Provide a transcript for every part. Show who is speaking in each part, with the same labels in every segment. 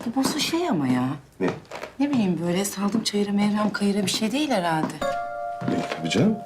Speaker 1: Bu bozu şey ama ya.
Speaker 2: Ne?
Speaker 1: Ne bileyim böyle saldım çayıra mevrem kayıra bir şey değil herhalde.
Speaker 2: Tabii canım.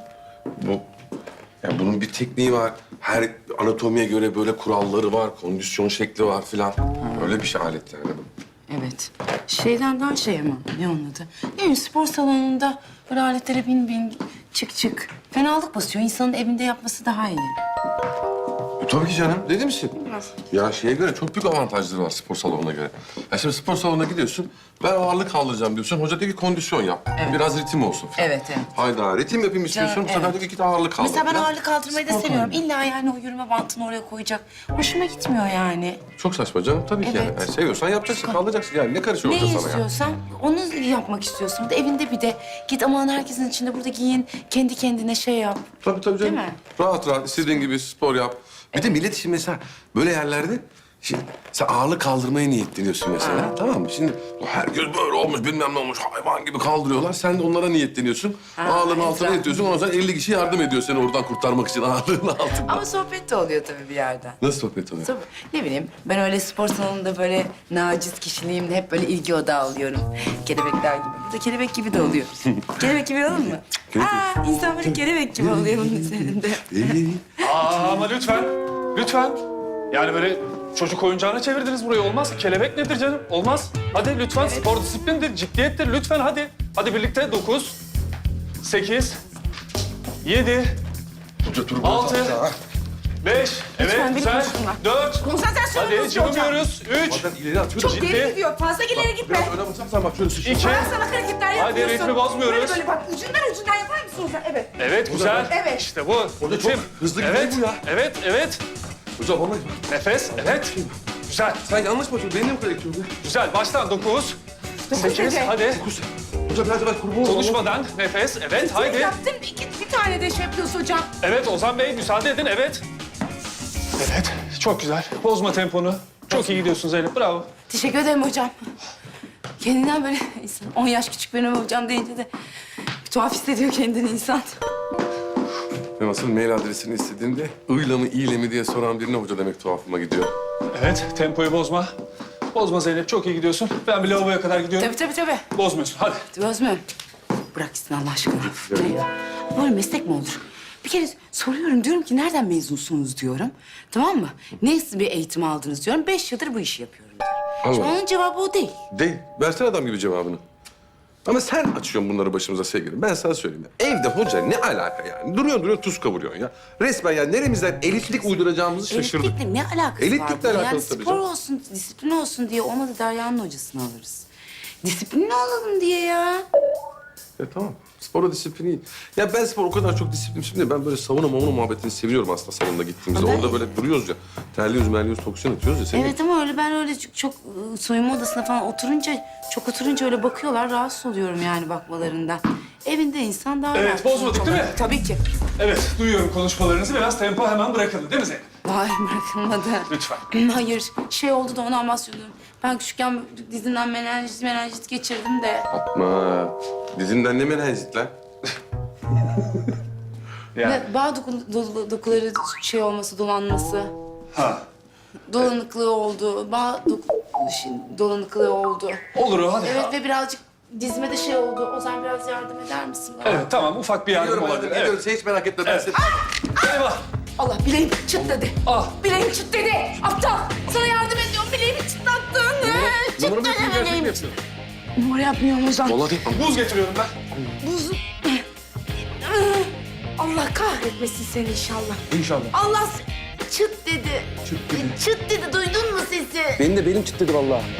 Speaker 2: Yani bunun bir tekniği var. Her anatomiye göre böyle kuralları var, kondisyon şekli var filan. Öyle bir şey alet yani bu.
Speaker 1: Evet. Şeyden daha şey ama ne onun adı? Ne bileyim spor salonunda böyle aletlere bin bin çık çık. Fenalık basıyor. İnsanın evinde yapması daha iyi.
Speaker 2: Tabii ki canım. Dedi misin? Ya şeye göre çok büyük avantajları var spor salonuna göre. Ya şimdi spor salonuna gidiyorsun, ben ağırlık kaldıracağım diyorsun. Hoca diyor ki kondisyon yap.
Speaker 1: Evet.
Speaker 2: Biraz ritim olsun falan.
Speaker 1: Evet, evet.
Speaker 2: Hayda, ritim yapayım istiyorsun. Bu sefer
Speaker 1: evet.
Speaker 2: diyor ki git ağırlık kaldır.
Speaker 1: Mesela ben
Speaker 2: falan.
Speaker 1: ağırlık kaldırmayı da
Speaker 2: Spor
Speaker 1: seviyorum.
Speaker 2: salonu.
Speaker 1: İlla yani o yürüme bantını oraya koyacak. Hoşuma gitmiyor yani.
Speaker 2: Çok saçma canım tabii ki yani.
Speaker 1: Evet.
Speaker 2: Yani seviyorsan yapacaksın, kaldıracaksın. Yani ne karışıyor
Speaker 1: Ne
Speaker 2: hoca sana ya?
Speaker 1: istiyorsan onu yapmak istiyorsun. Bir de evinde bir de git aman herkesin içinde burada giyin. Kendi kendine şey yap.
Speaker 2: Tabii canım.
Speaker 1: Değil mi?
Speaker 2: Rahat rahat istediğin gibi spor yap. Bir de millet şimdi mesela böyle yerlerde şimdi sen ağırlık kaldırmaya niyetleniyorsun mesela. Tamam mı? Şimdi herkes böyle olmuş bilmem ne olmuş hayvan gibi kaldırıyorlar. Sen de onlara niyetleniyorsun. Ağırlığın altına
Speaker 1: güzel.
Speaker 2: yatıyorsun. Ondan sonra 50 kişi yardım ediyor seni oradan kurtarmak için ağırlığın altında.
Speaker 1: Ama sohbet de oluyor tabii bir yerden.
Speaker 2: Nasıl sohbet oluyor?
Speaker 1: Ne bileyim ben öyle spor salonunda böyle naciz kişiliğimle hep böyle ilgi odağı alıyorum. Kelebekler gibi. Burada kelebek gibi de oluyor. Kelebek gibi olur mu? Aa, insan böyle kelebek gibi oluyor bunun üzerinde.
Speaker 3: Ama lütfen, lütfen. Yani böyle çocuk oyuncağına çevirdiniz burayı. Olmaz. Kelebek nedir canım? Olmaz. Hadi lütfen spor disiplindir, ciddiyettir. Lütfen hadi. Hadi birlikte 9, 8, 7, 6, 5, evet
Speaker 1: beni
Speaker 3: güzel,
Speaker 1: konuşturma.
Speaker 3: 4.
Speaker 1: Konsantrasyonunuzu
Speaker 3: Hadi
Speaker 1: bozuyor hocam.
Speaker 3: cıvımıyoruz. 3,
Speaker 2: Bazen ileri atıyor da
Speaker 3: Ciddi.
Speaker 1: Geri gidiyor. Fazla ileri gitme.
Speaker 2: Biraz öne basarsan bak şöyle sıçrayım.
Speaker 3: 2.
Speaker 1: Bana salak hareketler
Speaker 3: Hadi
Speaker 1: yapıyorsun.
Speaker 3: ritmi bozmuyoruz.
Speaker 1: Böyle bak ucundan yapar mısın hocam? Evet.
Speaker 3: Evet güzel.
Speaker 1: Evet.
Speaker 3: İşte bu.
Speaker 2: Orada çok hızlı gidiyor
Speaker 3: Evet,
Speaker 2: bu ya.
Speaker 3: evet, evet.
Speaker 2: Hocam vallahi
Speaker 3: Nefes, evet. Güzel,
Speaker 2: sen yanlış mı atıyorsun? Benim kadar itiyorsun.
Speaker 3: güzel. Baştan 9, 8,
Speaker 1: dedi.
Speaker 3: hadi.
Speaker 2: Hocam biraz evvel kurban olalım.
Speaker 3: Konuşmadan nefes, evet, haydi.
Speaker 1: Yaptın bir tane de şey yapıyorsun hocam.
Speaker 3: Evet Ozan Bey, müsaade edin, evet. Evet, çok güzel. Bozma temponu. Çok iyi gidiyorsun Zeynep, bravo.
Speaker 1: Teşekkür ederim hocam. Kendinden böyle insan 10 yaş küçük benim hocam deyince de bir tuhaf hissediyor kendini insan.
Speaker 2: Ben asıl mail adresini istediğimde ıyla mı iyle mi diye soran birine hoca demek tuhafıma gidiyor.
Speaker 3: Evet, tempoyu bozma. Bozma Zeynep, çok iyi gidiyorsun. Ben bir lavaboya kadar gidiyorum.
Speaker 1: Tabii.
Speaker 3: Bozmuyorsun, hadi.
Speaker 1: Özmüyorum. Bırak gitsin Allah aşkına. Ne ya? Böyle meslek mi olur? Bir kere soruyorum diyorum ki nereden mezunsunuz diyorum. Tamam mı? Nasıl bir eğitim aldınız diyorum. 5 yıldır bu işi yapıyorum diyor. Şimdi
Speaker 2: Allah.
Speaker 1: onun cevabı o değil.
Speaker 2: Değil. Versene adam gibi cevabını. Ama sen açıyorsun bunları başımıza sevgilim. Ben sana söyleyeyim ya. Evde hoca ne alaka yani? Duruyor tuz kavuruyorsun ya. Resmen ya neremizden elitlik uyduracağımızı şaşırdık.
Speaker 1: Elitlikle ne alakası
Speaker 2: Elitlikle
Speaker 1: var? bunun?
Speaker 2: alakalı
Speaker 1: Yani
Speaker 2: tabii
Speaker 1: spor
Speaker 2: canım.
Speaker 1: olsun, disiplin olsun diye olmadı Derya'nın hocasını alırız. Disiplinli olalım diye ya.
Speaker 2: Tamam. Spora disiplin iyi. Ya ben spor o kadar çok disiplinmişim değil. Ben böyle sauna muhabbetini seviyorum aslında salonda gittiğimizde.
Speaker 1: Ama ben-
Speaker 2: Orada böyle duruyoruz ya. Terliyoruz, merliyoruz, toksiyon atıyoruz ya. Senin
Speaker 1: Evet ama öyle ben öyle çok soyunma odasına falan oturunca öyle bakıyorlar. Rahatsız oluyorum yani bakmalarından. Evinde insan daha
Speaker 3: Evet,
Speaker 1: rahat.
Speaker 3: bozmadık değil mi?
Speaker 1: Tabii ki.
Speaker 3: Evet, duyuyorum konuşmalarınızı. Biraz tempo hemen bırakıldı değil mi Zeynep?
Speaker 1: Hayır bırakılmadı.
Speaker 3: Lütfen.
Speaker 1: Hayır şey oldu da ondan bahsediyorum. Ben küçükken dizimden menenjit geçirdim de.
Speaker 2: Yapma. Dizimden ne menenjit lan?
Speaker 3: Yani.
Speaker 1: Ve bağ dokuları şey olması, dolanması.
Speaker 3: Ha.
Speaker 1: Dolanıklığı oldu. Dolanıklığı oldu.
Speaker 3: Olur o, hadi.
Speaker 1: Evet ve birazcık dizime de şey oldu. Ozan biraz yardım eder misin bana?
Speaker 3: Evet, tamam. Ufak bir yardım olabilir. Evet.
Speaker 2: Sen hiç merak etme. Ben seni...
Speaker 3: Eyvah.
Speaker 1: Allah bileğim çıt dedi.
Speaker 3: Ah.
Speaker 1: Bileğim çıt dedi. Aptal. Sana yardım ediyorum. Bileğimi çıtlattın. Çıt
Speaker 2: Numaramı
Speaker 1: dedi
Speaker 2: yapayım, gerçek mi
Speaker 1: bileğim.
Speaker 2: yapıyorsun?
Speaker 1: Numara yapmıyorum Ozan.
Speaker 2: Vallahi değil.
Speaker 3: Buz getiriyorum ben.
Speaker 1: Buz. Allah kahretmesin seni inşallah.
Speaker 2: İnşallah.
Speaker 1: Allah çıt dedi. Çıt dedi. Duydun mu sesi?
Speaker 2: Benim de belim çıtladı vallahi.